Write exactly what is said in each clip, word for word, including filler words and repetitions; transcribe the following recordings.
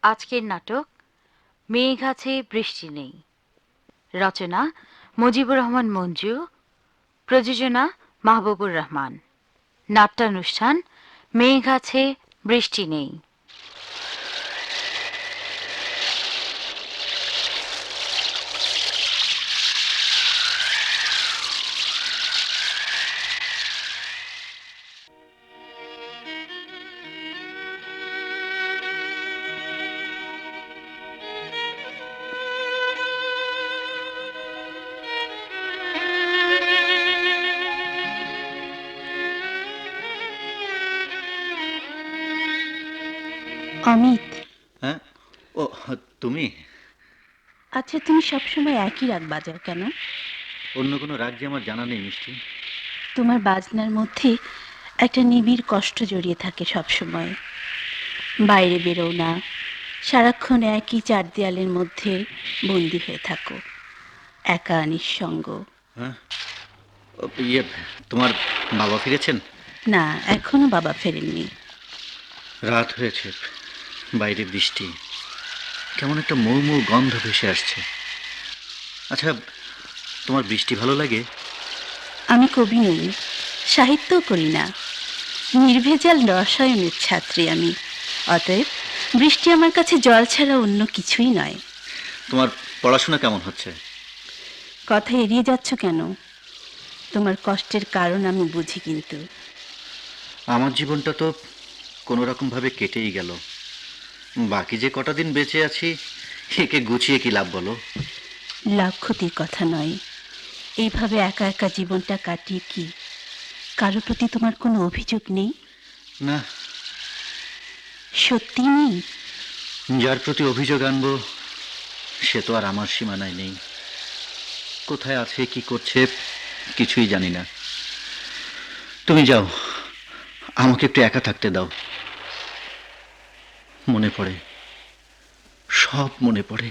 আজকের নাটক মেঘ আছে বৃষ্টি নেই। রচনা মুজিবুর রহমান মঞ্জু, প্রযোজনা মাহবুবুর রহমান। নাট্যানুষ্ঠান মেঘ আছে বৃষ্টি নেই। অমিত, হ্যাঁ, ও তুমি? আচ্ছা তুমি সবসময় একই রাগ বাজাও কেন? অন্য কোনো রাগ যে আমার জানা নেই মিষ্টি। তোমার বাজনার মধ্যে একটা নিবিড় কষ্ট জড়িয়ে থাকে সবসময়। বাইরে বেরো না, সারাক্ষণ একই চার দেয়ালের মধ্যে বন্দি হয়ে থাকো, একা নিঃসঙ্গ। হ্যাঁ, ও, ইয়ে, তোমার বাবা ফিরেছেন? না, এখনো বাবা ফেরেননি। রাত হয়েছে, বাইরে বৃষ্টি, কেমন একটা মৌ মৌ গন্ধ ভেসে আসছে। আচ্ছা, তোমার বৃষ্টি ভালো লাগে? আমি কবি নই, সাহিত্যও করি না, নির্ভেজাল রসায়নের ছাত্রী আমি। অতএব বৃষ্টি আমার কাছে জল ছাড়া অন্য কিছুই নয়। তোমার পড়াশোনা কেমন হচ্ছে? কথা এড়িয়ে যাচ্ছ কেন? তোমার কষ্টের কারণ আমি বুঝি, কিন্তু আমার জীবনটা তো কোনো রকমভাবে কেটেই গেল। বাকি যে কটা দিন বেঁচে আছি, একে গুছিয়ে কি লাভ বলো? লাভ ক্ষতির কথা নয়, এইভাবে একা একা জীবনটা কাটিয়ে কি কারো প্রতি তোমার কোনো অভিযোগ নেই? না। সত্যি নেই? যার প্রতি অভিযোগ আনবো সে তো আর আমার সীমানায় নেই। কোথায় আছে, কি করছে, কিছুই জানি না। তুমি যাও, আমাকে একটু একা থাকতে দাও। মনে পড়ে, সব মনে পড়ে।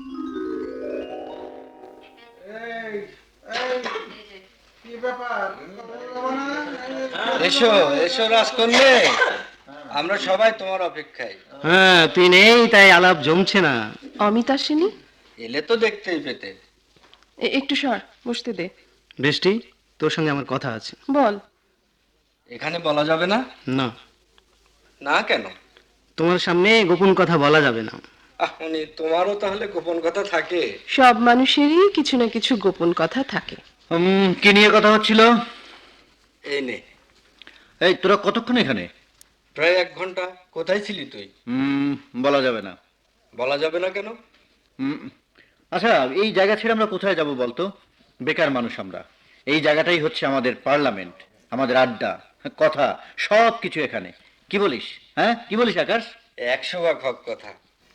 এসো এসো রাজকন্যা, আমরা সবাই তোমার অপেক্ষায়। হ্যাঁ, তুই নেই তাই আলাপ জমছে না। অমিত আসেনি? এলে তো দেখতেই পেতে। এ- একটু সর, বসতে দে। বৃষ্টি, তোর সঙ্গে আমার কথা আছে। বল। এখানে বলা যাবে না? না, না কেন? তোমার সামনে গোপন কথা বলা যাবে না। আহ, উনি তোমারও তাহলে গোপন কথা থাকে? সব মানুষেরই কিছু না কিছু গোপন কথা থাকে। উম, কি নিয়ে কথা হচ্ছিল? এই নে। এই, তোরা কতক্ষণ এখানে? প্রায় এক ঘন্টা। কোথায় ছিলি তুই? উম, বলা যাবে না। বলা যাবে না কেন? উম, আচ্ছা, এই জায়গা ছেড়ে আমরা কোথায় যাব বলতো? বেকার মানুষ আমরা। এই জায়গাটাই হচ্ছে আমাদের পার্লামেন্ট, আমাদের আড্ডা, কথা, সব কিছু এখানে। কি বলিস? হ্যাঁ, কি বলিস আকাশ? একশো ভাগ হক কথা।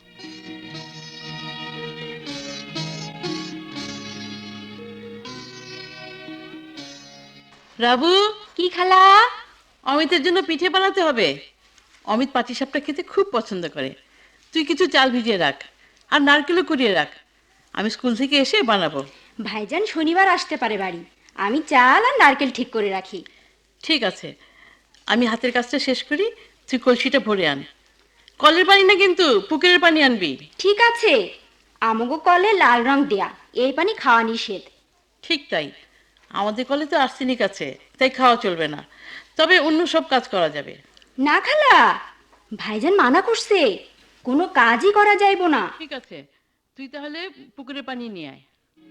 রাবু, কি খালা? অমিতের জন্য পিঠে বানাতে হবে। অমিত পাটিসাপটা খেতে খুব পছন্দ করে। তুই কিছু চাল ভিজিয়ে রাখ, আর নারকেলও কুড়িয়ে রাখ। আমি স্কুল থেকে এসে বানাবো। ভাইজান শনিবার আসতে পারে বাড়ি, আমি চাল আর নারকেল ঠিক করে রাখি। ঠিক আছে, আমি হাতের কাজটা শেষ করি, তুই কলসিটা ভরে আন। কলের পানি না কিন্তু, পুকুরের পানি আনবি। ঠিক আছে, আমগো কলে লাল রং দেয়া, এই পানি খাওয়া নিষেধ। ঠিক তাই, আমাদের কলে তো আর্সেনিক আছে, তাই খাওয়া চলবে না, তবে অন্য সব কাজ করা যাবে। না খালা, ভাইজান মানা করছে, কোনো কাজই করা যাইব না। ঠিক আছে, তুই তাহলে পুকুরের পানি নিয়ে আয়।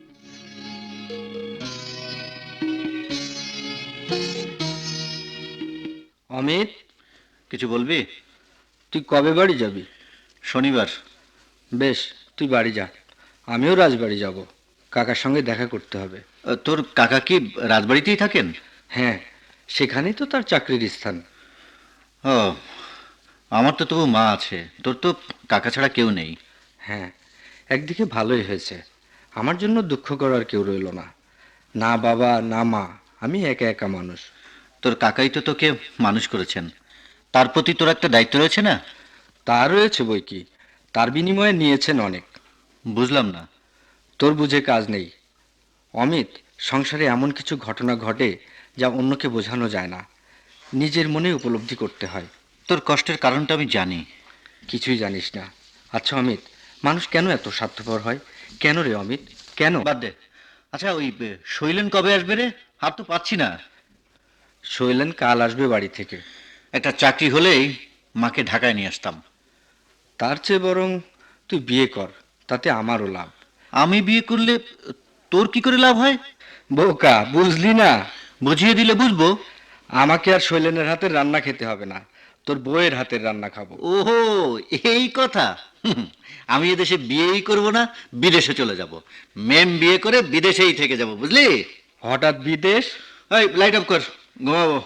অমিত, কিছু বলবি? তুই কবে বাড়ি যাবি? শনিবার। বেশ, তুই বাড়ি যা, আমিও রাজবাড়ি যাব। কাকার সঙ্গে দেখা করতে হবে। আহ, তোর কাকা কি রাজবাড়িতেই থাকেন? হ্যাঁ, সেখানেই তো তার চাকরির স্থান। ও, আমার তো তবু মা আছে, তোর তো কাকা ছাড়া কেউ নেই। হ্যাঁ, একদিকে ভালোই হয়েছে, আমার জন্য দুঃখ করার কেউ রইল না। না বাবা না মা, আমি একা একা মানুষ। তোর কাকাই তো তোকে মানুষ করেছেন, তার প্রতি তোর একটা দায়িত্ব রয়েছে না? তার রয়েছে বই কি, তার বিনিময়ে নিয়েছেন অনেক। বুঝলাম না। তোর বুঝে কাজ নেই অমিত। সংসারে এমন কিছু ঘটনা ঘটে যা অন্যকে বোঝানো যায় না, নিজের মনে উপলব্ধি করতে হয়। তোর কষ্টের কারণটা আমি জানি। কিছুই জানিস না, আচ্ছা অমিত, মানুষ কেন এত স্বার্থপর হয়? কেন রে অমিত, কেন? বাদ দে। আচ্ছা ওই এ, শৈলেন কবে আসবে রে? হাত তো পাচ্ছি না। শৈলেন কাল আসবে বাড়ি থেকে। একটা চাকরি হলেই মাকে ঢাকায় নিয়ে আসতাম। তার চেয়ে বরং তুই বিয়ে কর, তাতে আমারও লাভ। আমি বিয়ে করলে তোর কি করে লাভ হয়? বোকা, বুঝলি না? বুঝিয়ে দিলে বুঝবো। আমাকে আর শৈলেনের হাতের রান্না খেতে হবে না, তোর বউয়ের হাতের রান্না খাবো। ওহো, এই কথা। হুম, আমি এদেশে বিয়েই করব না, বিদেশে চলে যাব। মেম বিয়ে করে বিদেশেই থেকে যাব, বুঝলি? হঠাৎ বিদেশ? এই লাইট অফ কর, ঘুমাবো।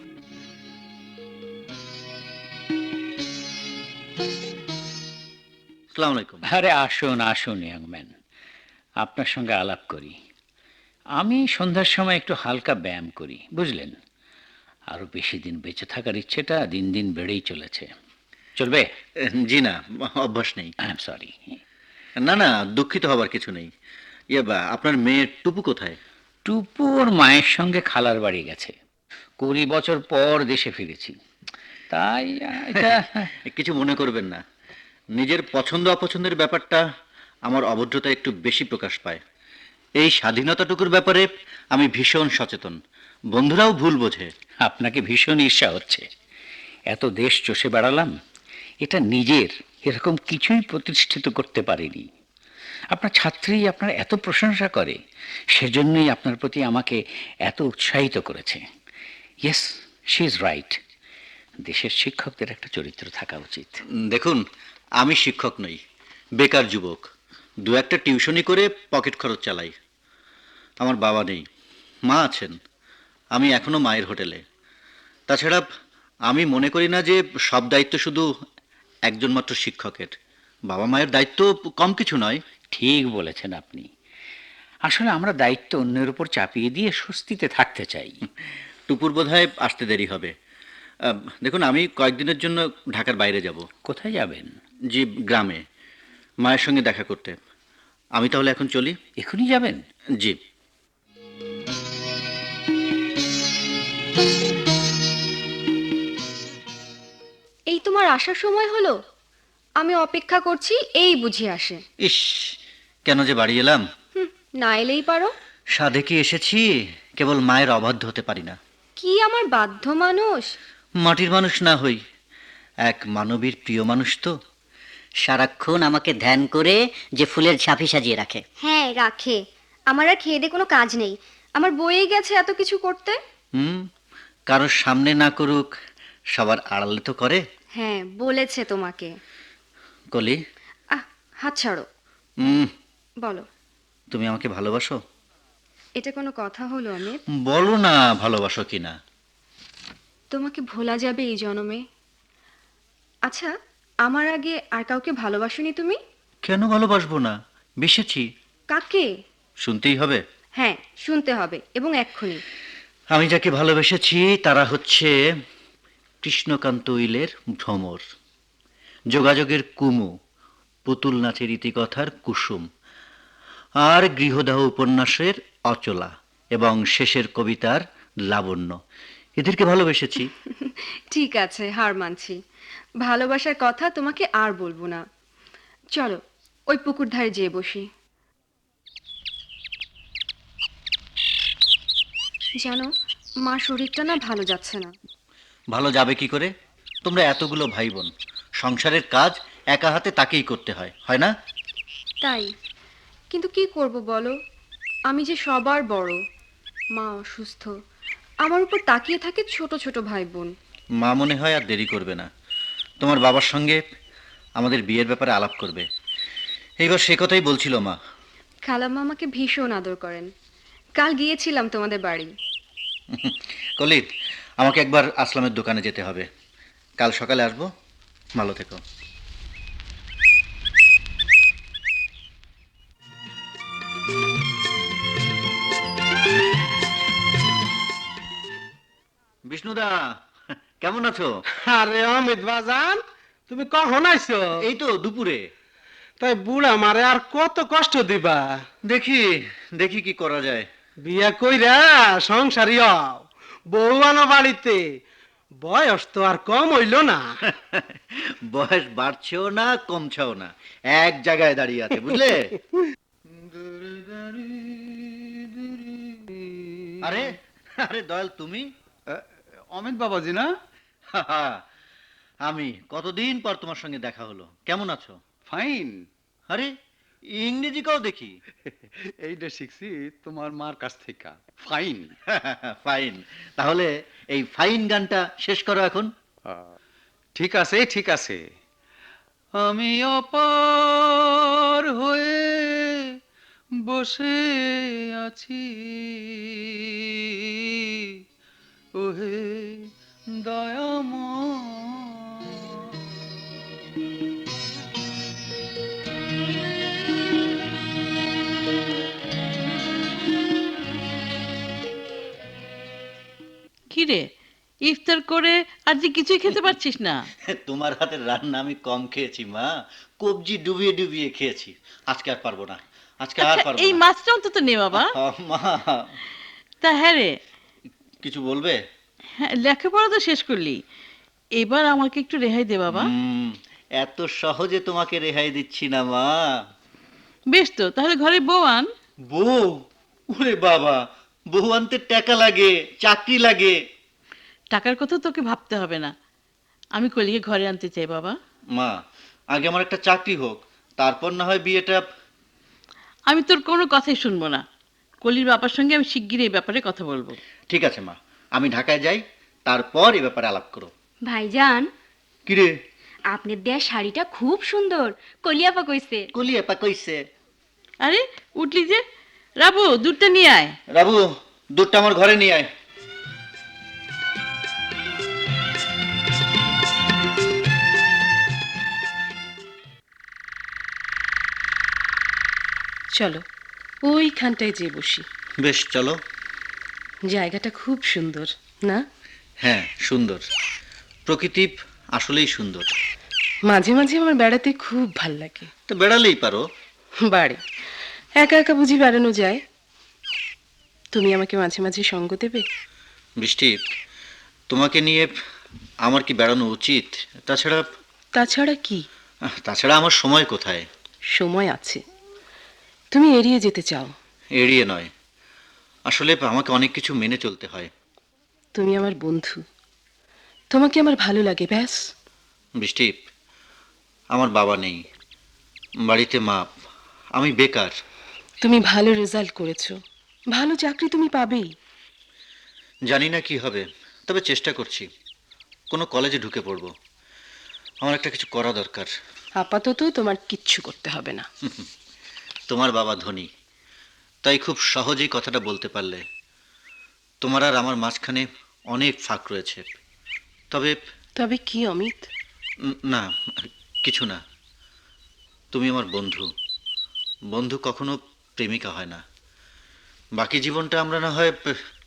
আসসালামু আলাইকুম। আরে আসুন আসুন ইয়াংম্যান, আপনার সঙ্গে আলাপ করি। আমি সন্ধ্যার সময় একটু হালকা ব্যায়াম করি, বুঝলেন? আরও বেশি দিন বেঁচে থাকার ইচ্ছেটা দিন দিন বেড়েই চলেছে। চলবে? জি না, অভ্যাস নেই। I am sorry. না না, দুঃখিত হবার কিছু নেই। ইয়ে বা, আপনার মেয়ের টুপু কোথায়? টুপু ওর মায়ের সঙ্গে খালার বাড়ি গেছে। কুড়ি বছর পর দেশে ফিরেছি, তাই আহ, এটা কিছু মনে করবেন না। নিজের পছন্দ অপছন্দের ব্যাপারটা আমার অভদ্রতা একটু বেশি প্রকাশ পায়। এই স্বাধীনতাটুকুর ব্যাপারে আমি ভীষণ সচেতন। বন্ধুরাও ভুল বোঝে। আপনাকে ভীষণ ঈর্ষা হচ্ছে। এত দেশ চষে বেড়ালাম, এটা নিজের এরকম কিছুই প্রতিষ্ঠিত করতে পারিনি। আপনার ছাত্রী আপনার এত প্রশংসা করে, সেজন্যই আপনার প্রতি আমাকে এত উৎসাহিত করেছে। Yes, she is right. দেশের শিক্ষকদের একটা চরিত্র থাকা উচিত। উম, দেখুন, আমি শিক্ষক নই, বেকার যুবক। দু একটা টিউশনি করে পকেট খরচ চালাই। আমার বাবা নেই, মা আছেন। আমি এখনো মায়ের হোটেলে। তাছাড়া আমি মনে করি না যে সব দায়িত্ব শুধু একজন মাত্র শিক্ষকের। বাবা মায়ের দায়িত্ব কম কিছু নয়। ঠিক বলেছেন আপনি। আসলে আমরা দায়িত্ব অন্যের উপর চাপিয়ে দিয়ে স্বস্তিতে থাকতে চাই। টুপুর বোধহয় আসতে দেরি হবে। আহ, দেখুন, আমি কয়েকদিনের জন্য ঢাকার বাইরে যাব। কোথায় যাবেন? জি, গ্রামে মায়ের সঙ্গে দেখা করতে। আমি তাহলে এখন চলি। এখনই যাবেন? জি। এই তোমার আসার সময় হলো? আমি অপেক্ষা করছি, এই বুঝি আসে। ইস, কেন যে বাড়ি এলাম। হুম, না এলেই পারো। সাধে কি এসেছি, কেবল মায়ের অবাধ্য হতে পারি না। কি আমার বাধ্য মানুষ? মাটির মানুষ না হই, এক মানবীর প্রিয় মানুষ তো। সারাক্ষণ আমাকে ধ্যান করে যে ফুলের ঝাঁপি সাজিয়ে রাখে। হ্যাঁ রাখে। আমার আর খেয়ে দে কোনো কাজ নেই। আমার বয়ে গেছে এত কিছু করতে। হুম, কারোর সামনে না করুক, সবার আড়ালে তো করে। হ্যাঁ বলেছে তোমাকে। কলি, আহ হাত ছাড়ো। হুম, বলো, তুমি আমাকে ভালোবাসো? এটা কোনো কথা হলো অমিত? বলো না ভালোবাসো কিনা। তোমাকে ভোলা যাবে এই জন্মে? আচ্ছা, আমার আগে আর কাউকে ভালোবাসোনি তুমি? কেন ভালোবাসবো না, বেসেছি। কাকে? শুনতেই হবে। হ্যাঁ শুনতে হবে, এবং এক্ষুনি। আমি যাকে ভালোবেসেছি তারা হচ্ছে কৃষ্ণকান্ত উইলের ভ্রমর, যোগাযোগের কুমু, পুতুল নাচের ইতিকথার কুসুম, আর গৃহদাহ উপন্যাসের অচলা এবং শেষের কবিতার লাবণ্য। এদেরকে ভালোবেসেছি। ঠিক আছে, হার মানছি। ভালোবাসার কথা তোমাকে আর বলবো না। চলো ওই পুকুর ধারে যেয়ে বসি। জানো, মা শরীরটা না ভালো যাচ্ছে না। ভালো যাবে কি করে? তোমরা এতগুলো ভাই বোন, সংসারের কাজ একা হাতে তাকেই করতে হয়, হয় না? তাই, কিন্তু কি করব বলো? আমি যে সবার বড়। মা অসুস্থ, আমার উপর তাকিয়ে থাকে ছোট ছোট ভাই বোন। মা মনে হয় আর দেরি করবে না, তোমার বাবার সঙ্গে আমাদের বিয়ের ব্যাপারে আলাপ করবে। এইবার সে কথাই বলছিল মা। খালাম্মা আমাকে ভীষণ আদর করেন। কাল গিয়েছিলাম তোমাদের বাড়ি। কলি, আমাকে একবার আসলামের দোকানে যেতে হবে। কাল সকালে আসবো। ভালো থেকো। বিষ্ণুদা, কেমন আছো? আরে অমিত বাজান, তুমি কখন আইছো? এই তো দুপুরে। তাই বুড়া মারে আর কত কষ্ট দিবা? দেখি দেখি কি করা যায়। বিয়া কইরা সংসারী হও, বউ আনো বাড়িতে, বয়স তো আর কম হইল না। বয়স বাড়ছেও না কমছেও না, এক জায়গায় দাঁড়িয়ে আছে, বুঝলে? আরে আরে দয়াল, তুমি? অমিত বাবাজি না? আমি কতদিন পর তোমার সঙ্গে দেখা হলো, কেমন আছো? ফাইন। আরে ইংরেজি কাও দেখি। এইটা শিখছি তোমার মার কাছ থেকে। ফাইন। ফাইন। তাহলে এই ফাইন গানটা শেষ করো এখন। ঠিক আছে ঠিক আছে। আমি অপার হয়ে বসে আছি, ওহে দয়াময়। কিরে, ইফতার করে আর যে কিছুই খেতে পারছিস না? তোমার হাতের রান্না আমি কম খেয়েছি মা, কবজি ডুবিয়ে ডুবিয়ে খেয়েছি। আজকে আর পারবো না, আজকে আর আচ্ছা, পারবো এই না। মাছটা অন্তত নে বাবা। আহ, মা তা হ্যাঁ রে, কিছু বলবে? হ্যাঁ, লেখাপড়া তো শেষ করলি, এবার আমাকে একটু রেহাই দে বাবা। হুম, এত সহজে তোমাকে রেহাই দিচ্ছি না মা। বেশ তো, তাহলে ঘরে বউ আন। বউ? ওরে বাবা, বউ আনতে টাকা লাগে, চাকরি লাগে। টাকার কথা তোকে ভাবতে হবে না, আমি কলিকে ঘরে আনতে চাই বাবা। মা, আগে আমার একটা চাকরি হোক, তারপর না হয় বিয়েটা। আমি তোর কোনো কথাই শুনবো না, কলির বাবার সঙ্গে আমি শিগগিরই এই ব্যাপারে কথা বলবো। ঠিক আছে মা, আমি ঢাকায় যাই, তারপর এ ব্যাপারে আলাপ করো। ভাইজান, কিরে? আপনার দেয়া শাড়িটা খুব সুন্দর, কলিয়াপা কইছে। কলিয়াপা কইছে? আরে উঠলি যে, রাবু দুধটা নিয়ে আয়। রাবু, দুধটা আমার ঘরে নিয়ে আয়। চলো ওইখানটায় যে বসি। বেশ, চলো। জায়গাটা খুব সুন্দর না? হ্যাঁ, সুন্দর। প্রকৃতি আসলেই সুন্দর। মাঝে মাঝে আমার বেড়াতে খুব ভাল লাগে। তো বেড়ালেই পারো। বাড়ি একা একা বুঝি বেড়ানো যায়? তুমি আমাকে মাঝে মাঝে সঙ্গ দেবে? বৃষ্টি, তোমাকে নিয়ে আমার কি বেড়ানো উচিত? তাছাড়া তাছাড়া কি? তাছাড়া আমার সময় কোথায়? সময় আছে, তুমি এড়িয়ে যেতে চাও। এড়িয়ে নয়, আসলে আমাকে অনেক কিছু মেনে চলতে হয়। তুমি আমার বন্ধু, তোমাকে আমার ভালো লাগে, ব্যাস। বৃষ্টি, আমার বাবা নেই, বাড়িতে মা, আমি বেকার। তুমি ভালো রেজাল্ট করেছো, ভালো চাকরি তুমি পাবেই। জানি না কি হবে, তবে চেষ্টা করছি। কোনো কলেজে ঢুকে পড়বো। আমার একটা কিছু করা দরকার। আপাতত তোমার কিচ্ছু করতে হবে না। তোমার বাবা ধনী, তাই খুব সহজেই কথাটা বলতে পারলে। তোমার আর আমার মাঝখানে অনেক ফাঁক রয়েছে। তবে তবে কি অমিত? উম, না, কিছু না। তুমি আমার বন্ধু, বন্ধু কখনো প্রেমিকা হয় না। বাকি জীবনটা আমরা না হয়।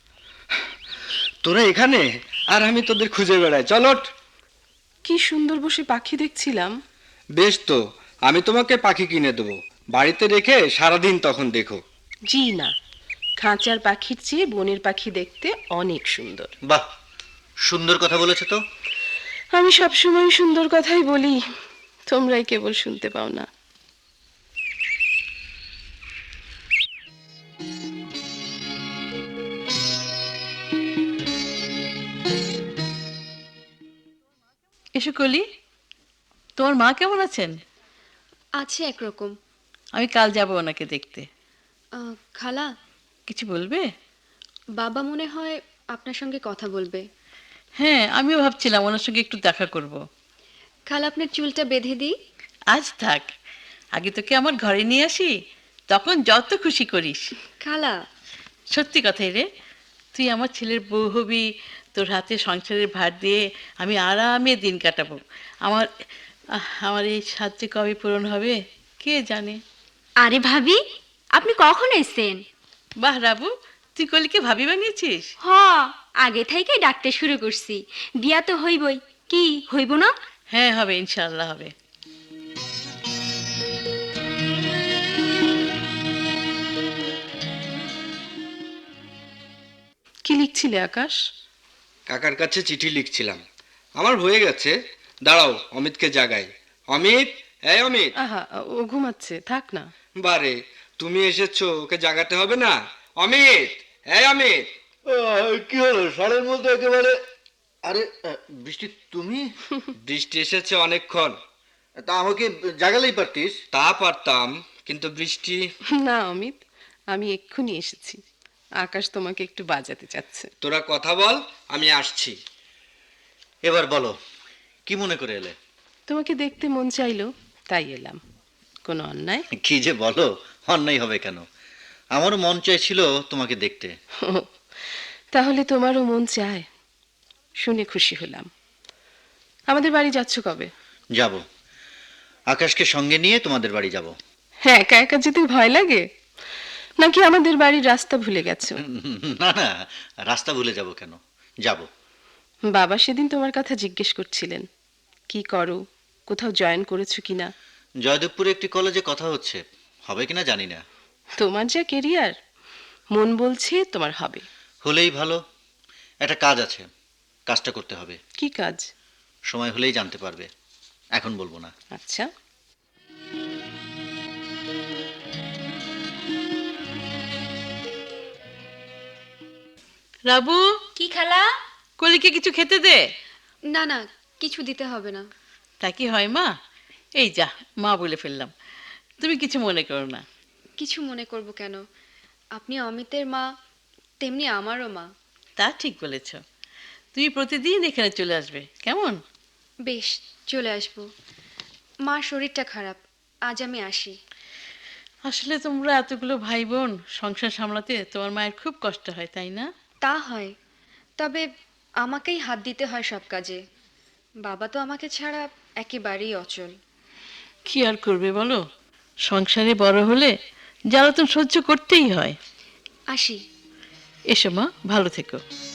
তোরা এখানে আর আমি তোদের খুঁজে বেড়াই। চলট। কি সুন্দর বসে পাখি দেখছিলাম। বেশ তো, আমি তোমাকে পাখি কিনে দেবো, বাড়িতে রেখে সারাদিন তখন দেখো। জি না, খাঁচার পাখির চেয়ে বনের পাখি দেখতে অনেক সুন্দর। বাহ, সুন্দর কথা বলেছো তো। আমি সবসময় সুন্দর কথাই বলি, তোমরাই কেবল শুনতে পাও না। এসো কলি, তোমার মা কেমন আছেন? আছে একরকম। আমি কাল যাব ওনাকে দেখতে। আহ, খালা, কিছু বলবে? বাবা মনে হয় আপনার সঙ্গে কথা বলবে। হ্যাঁ, আমিও ভাবছিলাম ওনার সঙ্গে একটু দেখা করব। খালা, আপনার চুলটা বেঁধে দিই? আজ থাক, আগে তোকে আমার ঘরে নিয়ে আসি, তখন যত খুশি করিস। খালা, সত্যি কথাই রে, তুই আমার ছেলের বউ হবি, তোর হাতে সংসারের ভার দিয়ে আমি আরামে দিন কাটাবো। আমার আহ, আমার এই সাহায্য কবে পূরণ হবে কে জানে। আরে ভাবি, আপনি কখন এসেছেন? বাহ রাবু, তুই কলিকে ভাবি বানিয়েছিস? হ, আগে থেকেই ডাকতে শুরু করছি। বিয়া তো হইবই, কি হইব না? হ্যাঁ হবে, ইনশাআল্লাহ হবে। কি লিখছিলে আকাশ? কাকার কাছে চিঠি লিখছিলাম। আমার হয়ে গেছে, দাঁড়াও অমিতকে জাগাই। অমিত, এই অমিত। আহা, ও ঘুমাচ্ছে, থাক না। বারে, তুমি এসেছো, ওকে জাগাতে হবে না? অমিত, এই অমিত। কি হলো সারের মধ্যে একেবারে? আরে আহ, বৃষ্টি তুমি? বৃষ্টি এসেছে অনেকক্ষণ। তা আমাকে জাগালেই পারতিস। তা পারতাম, কিন্তু বৃষ্টি। না অমিত, আমি এক্ষুনি এসেছি। আকাশ তোমাকে একটু বাজাতে চাচ্ছে। তোরা কথা বল, আমি আসছি। এবার বলো, কি মনে করে এলে? তোমাকে দেখতে মন চাইলো, তাই এলাম। কোনো অন্যায়? কি যে বলো, অন্যায় হবে কেন? আমারও মন চাইছিল তোমাকে দেখতে। ও, তাহলে তোমারও মন চায়? শুনে খুশি হলাম। আমাদের বাড়ি যাচ্ছ কবে? যাব, আকাশকে সঙ্গে নিয়ে তোমাদের বাড়ি যাব। হ্যাঁ, একা একা যেতে ভয় লাগে নাকি আমাদের বাড়ির রাস্তা ভুলে গেছো? না না, রাস্তা ভুলে যাব কেন, যাব। বাবা সেদিন তোমার কথা জিজ্ঞেস করছিলেন, কি করো, কোথাও জয়েন করেছো কিনা। জয়দেবপুরে একটি কলেজে কথা হচ্ছে, হবে কিনা জানি না। তোমার যা কেরিয়ার, মন বলছে তোমার হবে। হলেই ভালো। একটা কাজ আছে, কাজটা করতে হবে। কি কাজ? সময় হলেই জানতে পারবে, এখন বলবো না। আচ্ছা। রাবু, কি খালা? কলিকে কিছু খেতে দে। না না, কিছু দিতে হবে না। তা কি হয় মা? এই যা, মা বলে ফেললাম, তুমি কিছু মনে করো না। কিছু মনে করব কেন? আপনি অমিতের মা, তেমনি আমারও মা। তা ঠিক বলেছ। তুমি প্রতিদিন এখানে চলে আসবে, কেমন? বেশ, চলে আসবো। মার শরীরটা খারাপ, আজ আমি আসি। আসলে তোমরা এতগুলো ভাই বোন সংসার সামলাতে তোমার মায়ের খুব কষ্ট হয়, তাই না? তা হয়, তবে আমাকেই হাত দিতে হয় সব কাজে। বাবা তো আমাকে ছাড়া একেবারেই অচল। কি আর করবে বলো, সংসারে বড় হলে জ্বালাতন সহ্য করতেই হয়। আসি। এসো মা, ভালো থেকো।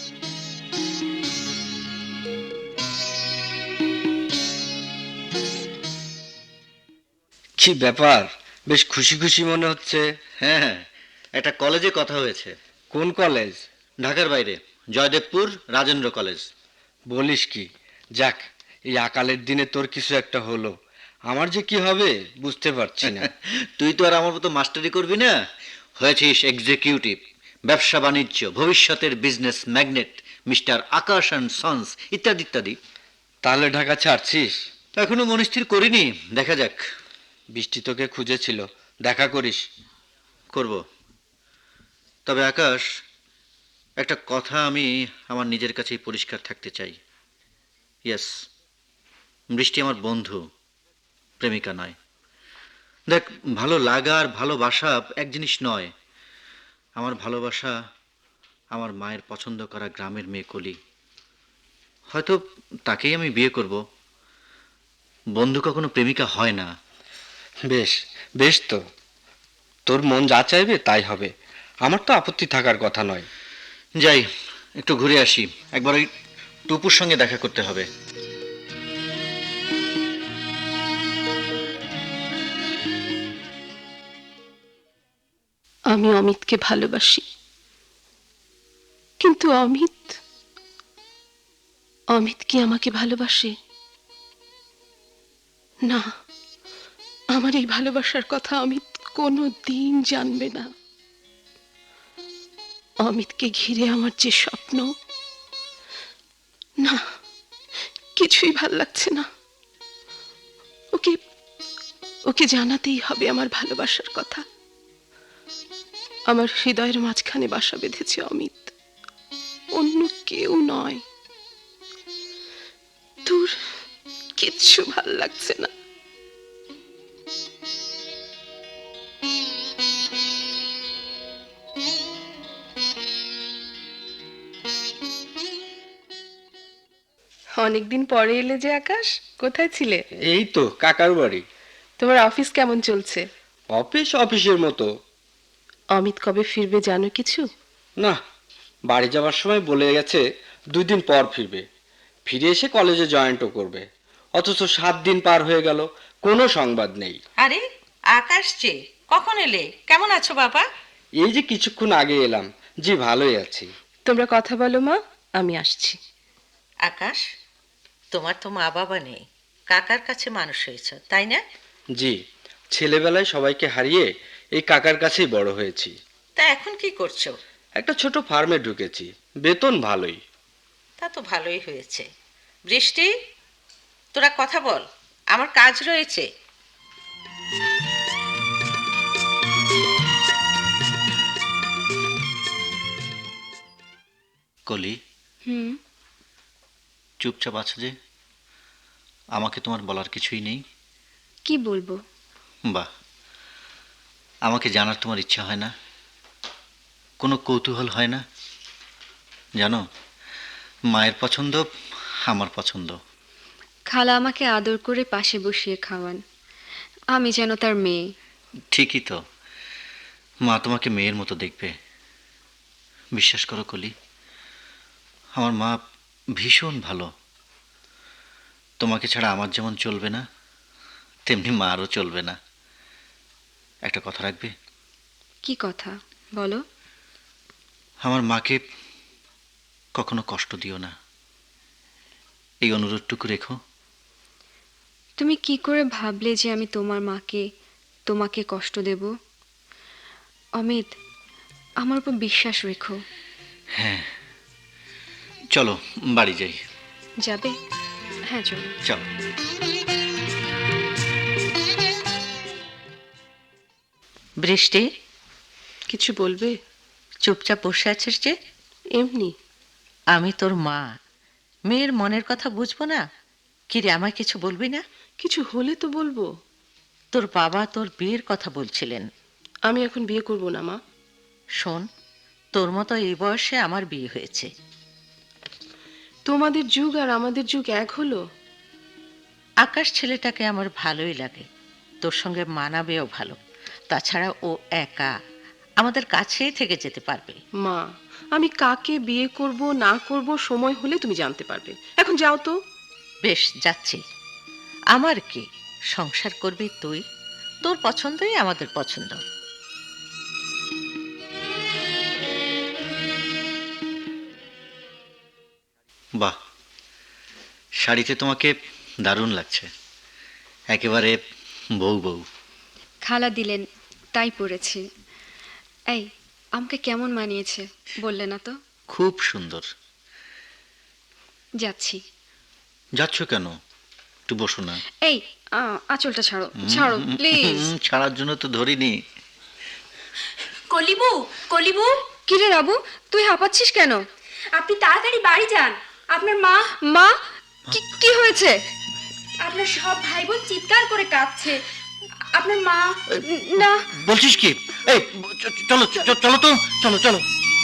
কি ব্যাপার, বেশ খুশি খুশি মনে হচ্ছে। হ্যাঁ হ্যাঁ, একটা কলেজে কথা হয়েছে। কোন কলেজ? ঢাকার বাইরে, জয়দেবপুর রাজেন্দ্র কলেজ। বলিস কি? যাক, এই আকালের দিনে তোর কিছু একটা হলো। আমার যে কি হবে বুঝতে পারছি না। তুই তো আর আমার মতো মাস্টারি করবি না, হয়েছিস এক্সিকিউটিভ, ব্যবসা বাণিজ্য, ভবিষ্যতের business magnate, mister Akash and sons ইত্যাদি ইত্যাদি। তাহলে ঢাকা ছাড়ছিস? এখনো মনস্থির করিনি, দেখা যাক। বৃষ্টি তোকে খুঁজেছিল, দেখা করিস। করব। তবে আকাশ, একটা কথা আমি আমার নিজের কাছেই পরিষ্কার থাকতে চাই। ইয়েস, বৃষ্টি আমার বন্ধু, প্রেমিকা নয়। দেখ, ভালো লাগা আর ভালোবাসা এক জিনিস নয়। আমার ভালোবাসা আমার মায়ের পছন্দ করা গ্রামের মেয়ে কলি। হয়তো তাকেই আমি বিয়ে করব। বন্ধু কখনো প্রেমিকা হয় না। বেশ বেশ, তো তোর মন যা চাইবে তাই হবে, আমার তো আপত্তি থাকার কথা নয়। যাই, একটু ঘুরে আসি, একবার ওই টুপুর সঙ্গে দেখা করতে হবে। আমি অমিতকে ভালোবাসি, কিন্তু অমিত অমিত কি আমাকে ভালোবাসে? না, আমার এই ভালোবাসার কথা অমিত কোনো দিন জানবে না। অমিতকে ঘিরে আমার যে স্বপ্ন, না, কিছুই ভাল লাগছে না। ওকে ওকে জানাতেই হবে আমার ভালোবাসার কথা। আমার হৃদয়ের মাঝখানে বাসা বেঁধেছে অমিত, অন্য কেউ নয়। তোর কিচ্ছু ভাল লাগছে না। অনেকদিন পরে এলে যে আকাশ, কোথায় ছিলে? এই তো কাকার বাড়ি। তোমার অফিস কেমন চলছে? অফিস অফিসের মতো। অমিত কবে ফিরবে জানো কিছু? না, বাড়ি যাওয়ার সময় বলে গেছে দুই দিন পর ফিরবে। ফিরে এসে কলেজে জয়েন্টও করবে। অথচ সাত দিন পার হয়ে গেল, কোনো সংবাদ নেই। আরে আকাশ যে, কখন এলে? কেমন আছো বাবা? এই যে কিছুক্ষণ আগে এলাম। জি, ভালোই আছি। তোমরা কথা বলো মা, আমি আসছি। আকাশ, তোমার তো মা বাবা নেই, কাকার কাছে মানুষ হয়েছ, তাই না? জি, ছেলেবেলায় সবাইকে হারিয়ে এই কাকার কাছেই বড় হয়েছি। তা এখন কি করছো? একটা ছোট ফার্মে ঢুকেছি, বেতন ভালোই। তা তো ভালোই হয়েছে। বৃষ্টি, তোরা কথা বল, আমার কাজ রয়েছে। কলি, হুম। চুপচাপ আছো যে? আমাকে তোমার বলার কিছুই নেই? কি বলবো? বাহ, আমাকে জানার তোমার ইচ্ছা হয় না? কোনো কৌতূহল হয় না? জানো, মায়ের পছন্দ আমার পছন্দ। খালা আমাকে আদর করে পাশে বসিয়ে খাওয়ান, আমি যেন তার মেয়ে। ঠিকই তো, মা তোমাকে মেয়ের মতো দেখবে। বিশ্বাস করো কলি, আমার মা ভীষণ ভালো। তোমাকে ছাড়া আমার যেমন চলবে না, তেমনি মারও চলবে না। একটা কথা রাখবে? কি কথা বলো? আমার মাকে কখনো কষ্ট দিও না, এই অনুরোধটুকু রেখো। তুমি কি করে ভাবলে যে আমি তোমার মাকে তোমাকে কষ্ট দেব? অমিত, আমার উপর বিশ্বাস রেখো। হ্যাঁ, চলো বাড়ি যাই। যাবে? হ্যাঁ চলো। চলো। বৃষ্টি, কিছু বলবে? চুপচাপ বসে আছিস যে? এমনি। আমি তোর মা, মেয়ের মনের কথা বুঝবো না? কিরে, আমায় কিছু বলবি না? কিছু হলে তো বলবো। তোর বাবা তোর বিয়ের কথা বলছিলেন। আমি এখন বিয়ে করব না মা। শোন, তোর মতো এই বয়সে আমার বিয়ে হয়েছে। তোমাদের যুগ আর আমাদের যুগ এক হলো? আকাশ ছেলেটাকে আমার ভালোই লাগে, তোর সঙ্গে মানাবেও ভালো। তাছাড়া ও একা আমাদের কাছেই থেকে যেতে পারবে। মা, আমি কাকে বিয়ে করব না করব সময় হলে তুমি জানতে পারবে। এখন যাও তো। বেশ, যাচ্ছি। আমার কি, সংসার করবি তুই, তোর পছন্দই আমাদের পছন্দ। বাহ, শাড়িতে তোমাকে দারুণ লাগছে, একেবারে বউ বউ। খালা দিলেন তাই পড়েছি। এই, আমাকে কেমন মানিয়েছে বললে না তো? খুব সুন্দর। যাচ্ছি। যাচ্ছ কেন? একটু বসো না। এই, আ- আঁচলটা ছাড়ো, ছাড়ো প্লিজ। হুম, ছাড়ার জন্য তো ধরিনি। কলিবু, কলিবু, কিরে রাবু, তুই হাঁপাচ্ছিস কেন? আপনি তাড়াতাড়ি বাড়ি যান। আপনার মা, মা, কি কি হয়েছে? আপনার সব ভাই বোন চিৎকার করে কাঁদছে। আপনার মা, না। বলছিস কি? এই চ- চলো চ- চলো তো, চলো চলো।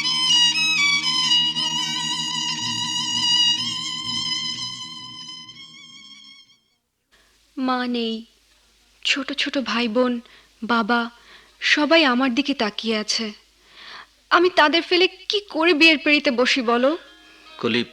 মা নেই, ছোট ছোট ভাই বোন, বাবা, সবাই আমার দিকে তাকিয়ে আছে। আমি তাদের ফেলে কি করে বিয়ের পিঁড়িতে বসি বলো? কলি,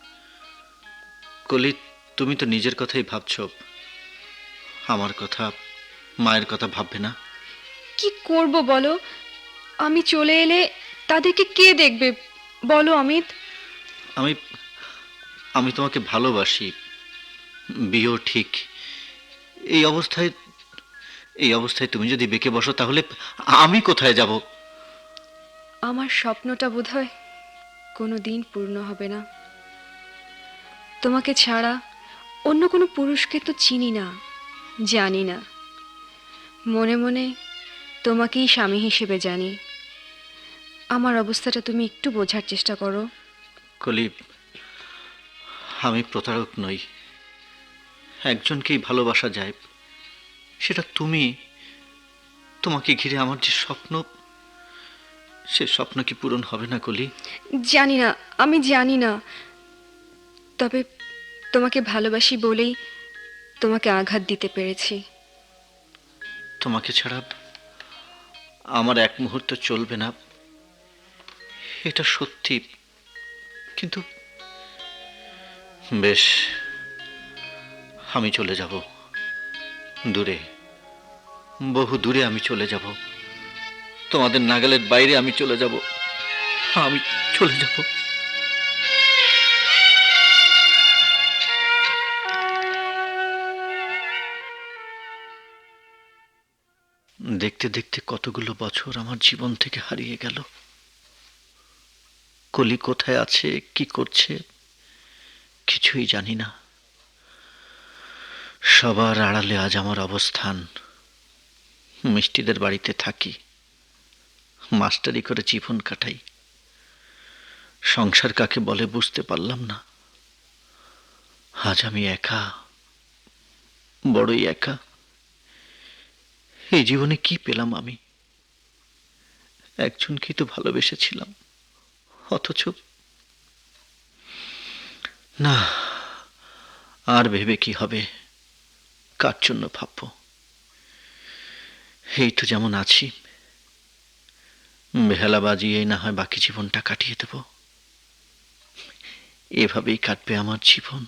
কলি, তুমি তো নিজের কথাই ভাবছো, আমার কথা, মায়ের কথা ভাববে না? কি করব বলো? আমি চলে এলে তাদেরকে কে দেখবে বলো অমিত? আমি আমি তোমাকে ভালোবাসি, বিয়েও ঠিক। এই অবস্থায় এই অবস্থায় তুমি যদি বেঁকে বসো তাহলে আমি কোথায় যাব? আমার স্বপ্নটা বোধহয় কোনো দিন পূর্ণ হবে না। তোমাকে ছাড়া অন্য কোনো পুরুষকে তো চিনি না, জানি না। মনে মনে তোমাকেই স্বামী হিসেবে জানি। আমার অবস্থাটা তুমি একটু বোঝার চেষ্টা করো। কলি, আমি প্রতারক নই, একজনকেই ভালোবাসা যায়, সেটা তুমি। তোমাকে ঘিরে আমার যে স্বপ্ন, সে স্বপ্ন কি পূরণ হবে না কলি? জানি না, আমি জানি না। তবে তোমাকে ভালোবাসি বলেই তোমাকে আঘাত দিতে পেরেছি। তোমাকে ছাড়া আমার এক মুহূর্ত চলবে না, এটা সত্যি। কিন্তু বেশ, আমি চলে যাব দূরে, বহু দূরে আমি চলে যাব, তোমাদের নাগালের বাইরে আমি চলে যাব, আমি চলে যাব। দেখতে দেখতে কতগুলো বছর আমার জীবন থেকে হারিয়ে গেল। কলি কোথায় আছে, কি করছে, কিছুই জানি না। সবার আড়ালে আজ আমার অবস্থান। মিষ্টিদের বাড়িতে থাকি, মাস্টারি করে জীবন কাটাই। সংসার কাকে বলে বুঝতে পারলাম না। আজ আমি একা, বড়ই একা। এই জীবনে কি পেলাম আমি? একজনকেই তো ভালোবেসেছিলাম, অথচ না, আর ভেবে কি হবে? কার জন্য ভাববো? এই তো যেমন আছি, বেহালা বাজিয়েই না হয় বাকি জীবনটা কাটিয়ে দেব। এভাবেই কাটবে আমার জীবন।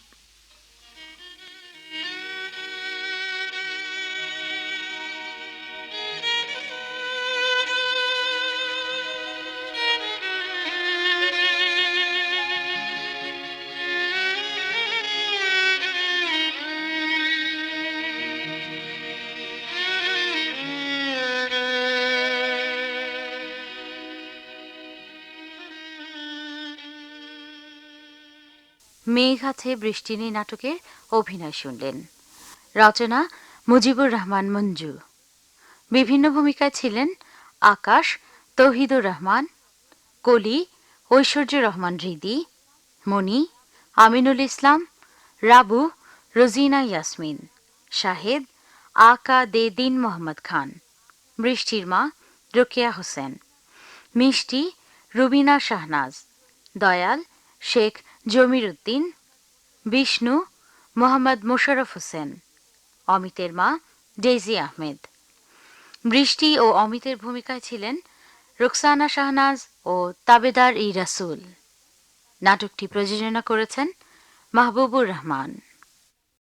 মেঘ আছে বৃষ্টি নেই নাটকের অভিনয় শুনলেন। রচনা মুজিবুর রহমান মঞ্জু। বিভিন্ন ভূমিকায় ছিলেন আকাশ তৌহিদুর রহমান, কলি ঐশ্বর্য রহমান হৃদি, মণি আমিনুল ইসলাম, রাবু রোজিনা ইয়াসমিন, শাহেদ আকা দে দিন মোহাম্মদ খান, বৃষ্টির মা রোকেয়া হোসেন, মিষ্টি রুবিনা শাহনাজ, দয়াল শেখ জমির উদ্দিন, বিষ্ণু মোহাম্মদ মোশাররফ হোসেন, অমিতের মা ডেইজি আহমেদ। বৃষ্টি ও অমিতের ভূমিকায় ছিলেন রুকসানা শাহনাজ ও তাবেদার ই রাসুল। নাটকটি প্রযোজনা করেছেন মাহবুবুর রহমান।